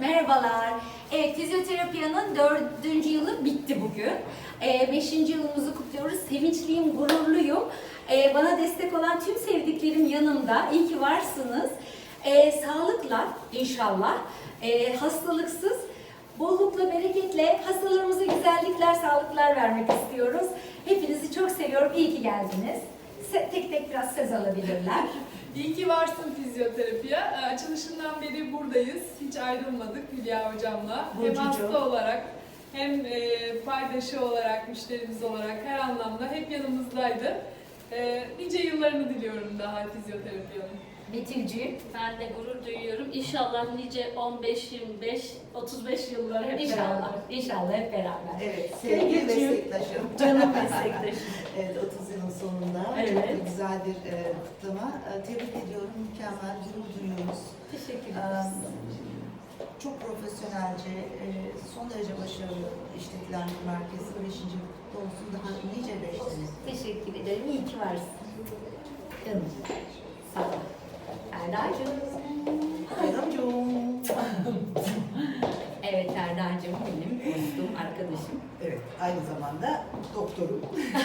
Merhabalar. Evet, Fizyoterapia'nın 4. yılı bitti bugün. 5. yılımızı kutluyoruz. Sevinçliyim, gururluyum. Bana destek olan tüm sevdiklerim yanımda. İyi ki varsınız. Sağlıkla inşallah, hastalıksız, bollukla, bereketle hastalarımıza güzellikler, sağlıklar vermek istiyoruz. Hepinizi çok seviyorum. İyi ki geldiniz. Tek tek biraz söz alabilirler. İyi ki varsın Fizyoterapiya. Açılışından beri buradayız. Hiç ayrılmadık Hülya Hocam'la. Hem hasta olarak hem paydaşı olarak, müşterimiz olarak her anlamda hep yanımızdaydı. Nice yıllarını diliyorum daha Fizyoterapiyanın. Betülcüğüm. Ben de gurur duyuyorum. İnşallah nice 15, 25, 35 yıllar hep İnşallah. beraber. İnşallah hep beraber. Evet, sevgili Sevgili meslektaşım. Canım meslektaşım. Evet, 30 yılın sonunda Evet. çok güzel bir kutlama. Tebrik ediyorum, mükemmel, gurur duyuyoruz. Teşekkür ederiz. Çok profesyonelce, son derece başarılı işletilen bir merkez. 5. yıl kutlu olsun, daha nice 5 sene. Teşekkür ederim. İyi ki varsın. Canım. Sağ ol. Erdacığım. Bayramcığım. Evet Erdacığım benim dostum, arkadaşım. Evet, aynı zamanda doktorum.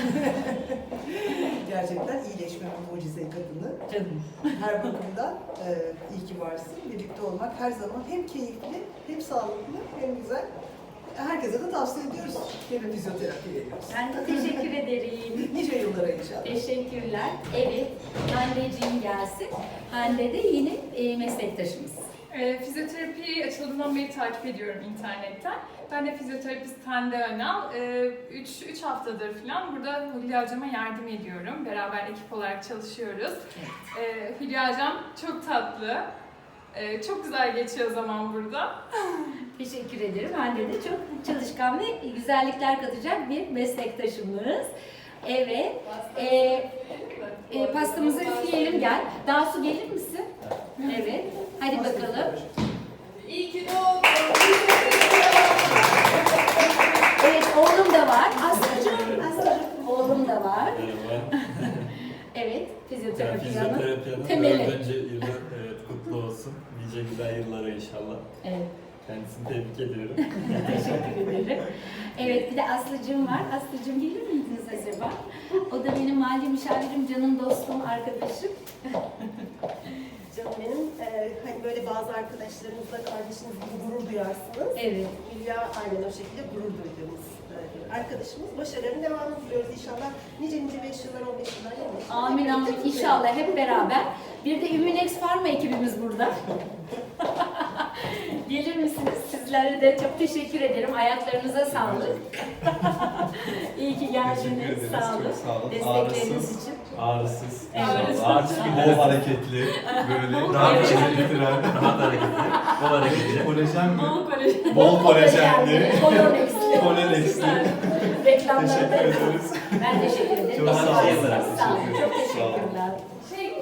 Gerçekten iyileşmenin mucize kadını. Canım. Her bakımdan iyi ki varsın. Birlikte olmak her zaman hem keyifli, hem sağlıklı, hem güzel. Herkese de tavsiye ediyoruz. Gene fizyoterapi veriyoruz. Ben de teşekkür ederim. Nice yıllara inşallah. Teşekkürler. Evet, Hande'ciğim gelsin. Hande de yine meslektaşımız. Fizyoterapiyi açıldığından beri takip ediyorum internetten. Ben de fizyoterapist Hande Önal. 3 haftadır falan burada Hülya Hocam'a yardım ediyorum. Beraber ekip olarak çalışıyoruz. Hülya Hocam çok tatlı. Çok güzel geçiyor zaman burada. Teşekkür ederim. Hande de çok çalışkan ve güzellikler katacak bir meslektaşımız. Evet. Pastamızı üfleyelim gel. Daha su gelir misin? Evet. Hadi bakalım. İyi ki doğdun. Evet, oğlum da var. Aslıcığım. Oğlum da var. Merhaba. Evet, fizyoterapiyanın Fizyoterapiyanın temeli. 4. yılı kutlu olsun. Nice güzel yıllara inşallah. Evet, Kendisini tebrik ediyorum. teşekkür ederim. Evet, bir de Aslıcığım var. Aslıcığım gelir miydiniz acaba? O da benim mali müşavirim, canım dostum, arkadaşım. Canım benim, hani böyle bazı arkadaşlarınızla kardeşiniz gibi gurur duyarsınız. Evet. Hülya aynen o şekilde gurur duyduğumuz bir arkadaşımız. Başarılarının devamını diliyoruz inşallah. Nice 5 yıllar, 15 yıllar, 20 yıllar. Amin amin. İnşallah hep beraber. Bir de Ümünex Pharma ekibimiz burada. Gelir misiniz? Sizlere de çok teşekkür ederim. Ayaklarınıza sağlık. İyi ki geldiniz. Sağ olun. Çok sağ olun. Destekleriniz için. Ağrısız. Evet. Ağrısız Bol günler. hareketli, böyle Rahat rahat hareketli. getiren, Rahat hareketli. Bol hareketli. kolajen mi? Bol kolej. Bol kolajenli. Kolonexli. Kolonexli. Reklamları da Teşekkür ederiz. Ben teşekkür ederim. Çok sağ olun. Sağ olun. Çok Sağ olun. teşekkürler. Şey